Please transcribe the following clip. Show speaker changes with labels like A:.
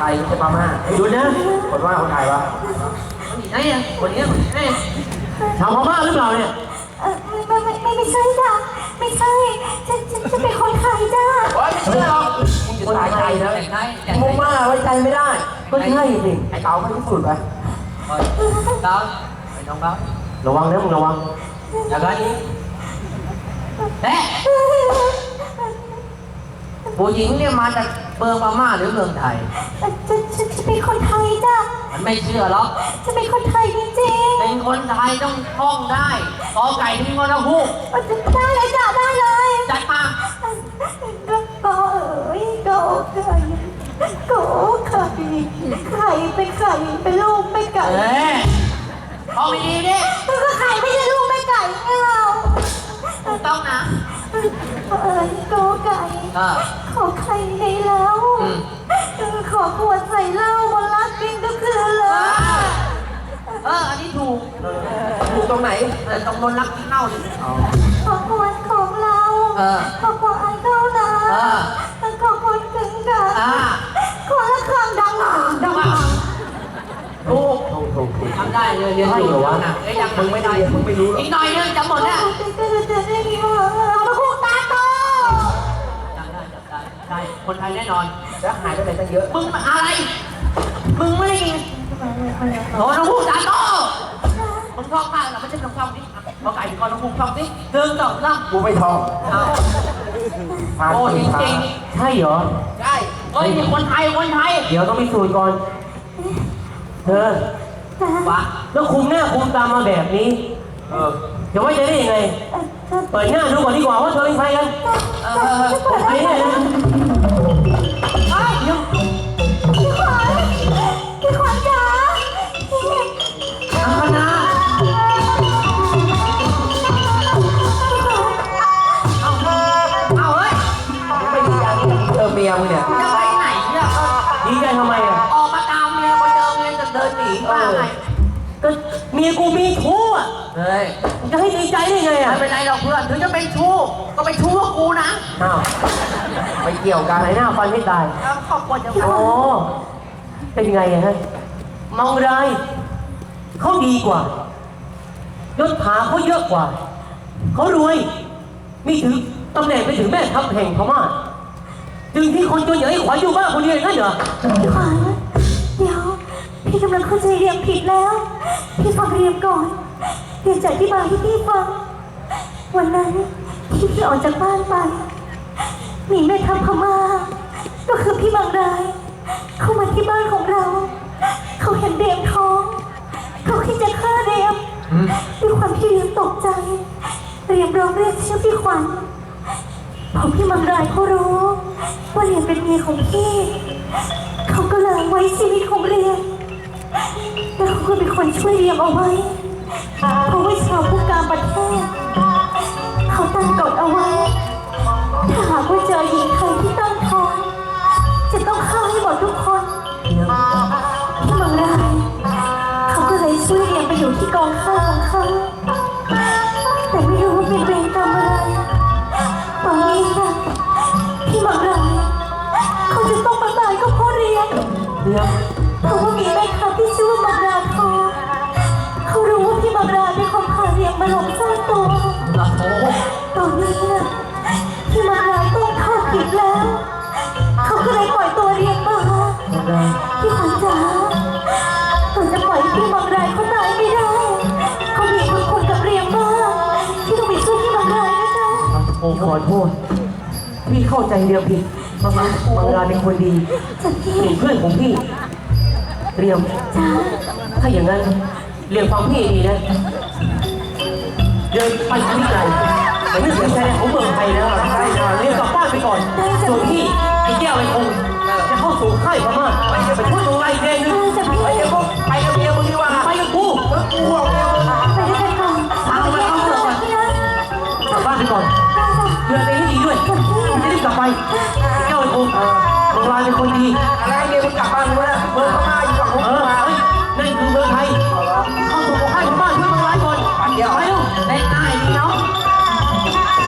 A: ยไม่ใช่พม่าหยุดนะคนว่าคนไทยวะไหนอ่ะคนนี้ไหนชาวพม่าหรือเปล่าเนี่ย
B: ไม่ใช่จ้ะไม่ใช่ฉันเป็นคนไทยจ้ะ
A: ไม่เชื่อหรอกคนไทยนะพม่าไว้ใจไม่ได้ก็ใช่สิไอ้เต๋าไม่ที่สุดไปเต๋าไอ้น้องเต๋าระวังนะมึงระวังอย่างไรเอ๊ะผู้หญิงเนี่ยมาจากเมืองพม่าหรือเมืองไทย
B: ฉันเป็นคนไทยจ้ะ
A: มันไม่เชื่อหรอก
B: ฉันเป็นคนไทยจริงๆ
A: เป็นคนไทยต้องท่องได้กอไก่ที่งอฮูก
B: ได้เลยจ้ะได้เลย
A: จัดมา
B: ก็ก็ไก่ก็ไข่ไข่เป็นไข่เป็นลูกไม่ไก่
A: ท่องดีดิ
B: ก็ไข่ไม่ใช่ลูกไม่ไก่ไงเรา
A: ถูกต้องนะ
B: ก็ไก่ขอไข่ในแล้วขอขวดใส่เหล้าวันละกินก็คือเลย
A: อันนี้ถูกตรงไหนตรงบนรักกินเหล้าดิ
B: ขอขวดของเราขอขวดไอ้เท่านั้นขอขวดกึ่งกันขอละครั้งดังถูก
A: ทำได้เลยเรียนอยู่วะน่ะยังมึงไม่ได้มึงไม่รู้อีกหน่อยนึงจะหมดแล้ว
B: มาคู่ตาโต
A: ได้คนไทยแน่นอนจะหายไปไหนตั้งเยอะมึงอะไรมึงไม่ได้ยินโอ้น้องพูดตาโตมึงท่องมากเหรอไม่ใช่ท่องนี่เอาไก่ก่อนน้องพูดท่องนี่เดินต่อล่ำกูไม่ท่องโอ้จริงๆใช่เหรอใช่เฮ้ยคนไทยเดี๋ยวต้องมีสูตรก่อนเธอวะแล้วคุมหน้าคุมตามาแบบนี้เดี๋ยวไว้จะได้ยังไงเปิดหน้าดูก่อนดีกว่าว่าเธอเป็นใครกันใครเนี่ย
B: พี่ขวัญจ๋า
A: อังคณาเอาเฮ้ยไม่ดีใจเมียมึงเนี่ยจะไปไหนเนี่ยดีใจทำไมอ่ะออกมาตามเมียไปเจอเมียจะเดินหนีว่าไงก็เมียกูมีชู้อ่ะเฮ้ยจะให้ดีใจได้ไงอ่ะไม่เป็นไรหรอกเพื่อนถึงจะเป็นชู้ก็เป็นชู้กับกูนะอ้าวไม่เกี่ยวกันไหนหน้าฟันให้ตายขอบคุณจังโอ้เป็นไงอ่ะฮะมองไรเขาดีกว่ายศถาเขาเยอะกว่าเขารวยมีถือตำแหน่งไปถึงแม่ทัพแห่งพม่าจึงที่คนจนอย่างไอ้ขวัญอยู่บ้านคนเดียวนั่นเหรอ
B: พี่ขวัญเดี๋ยวพี่กำลังเข้าใจเรียมผิดแล้วพี่ฟังเรียมก่อนเรียมจะอธิบายให้พี่ฟังวันนั้นที่พี่ออกจากบ้านไปมีแม่ทัพพม่าก็คือพี่บางรายเข้ามาที่บ้านของเราเขาเห็นเรียมท้องเขาคิดจะฆ่าเรียมด้วยความที่เรียมตกใจเรียมร้องเรียกชื่อพี่ขวัญพอพี่บางรายเขารู้ว่าเรียมเป็นเมียของพี่เขาก็เลยไว้ชีวิตของเรียมแล้วเขาก็เป็นคนช่วยเรียมเอาไว้เพราะว่าชาวผู้การประเทศเขาตั้งกฎเอาไว้ถ้าหากว่าเจอหญิงไทยที่ตั้งท้องจะต้องฆ่าให้หมดทุกคนที่บางรายเขาก็เลยช่วยเรียมไปอยู่ที่กองข้าวของเขาแต่ไม่รู้ว่าเป็นเวรกรรมอะไรตอนนี้นะที่บางรายเขาจะต้องมาตายก็เพราะเรียมเพราะว่ามีแม่ค้าที่ชื่อว่าบางราทองเขารู้ว่าพี่บางราเป็นคนพาเรียมมาหลงซ่อนตัวตอนนี้นะพี่บางราต้องโทษผิดแล้วเขาก็เลยปล่อยตัวเรียมมาพี่ขวัญจ๋าเราจะปล่อยพี่บางรายเขาตายไม่ได้เขามีบุญคุณกับเรียมมากที่ต้องไปช่วยพี่บางรายนะจ๊ะ
A: โอ้ขอโทษพี่เข้าใจเรียมผิดบางรายเป็นคนดีเป็นเพื่อนของพี่เรียมถ้าอย่างนั้นเรียมฟังพี่ดีนะเดินไปที่ไกลแต่ไม่เสียใจของเมืองไทยแล้วเรียมกลับบ้านไปก่อนส่วนพี่ไอ้แก้วไอ้คงจะเข้าสู่ค่ายพม่าไปช่วยตัวไอ้เองนึงไปเดี๋ยวพวกไปกับเมียมึงดีกว่าไปกับกูเอาเมียมึง
B: ไปด้วยกันก่อน
A: พาไปเอาเมียก่อนกลับบ้านไปก่อนเดินไปให้ดีด้วยจะรีบกลับไปแก้วไอ้คงบางรายเป็นคนดี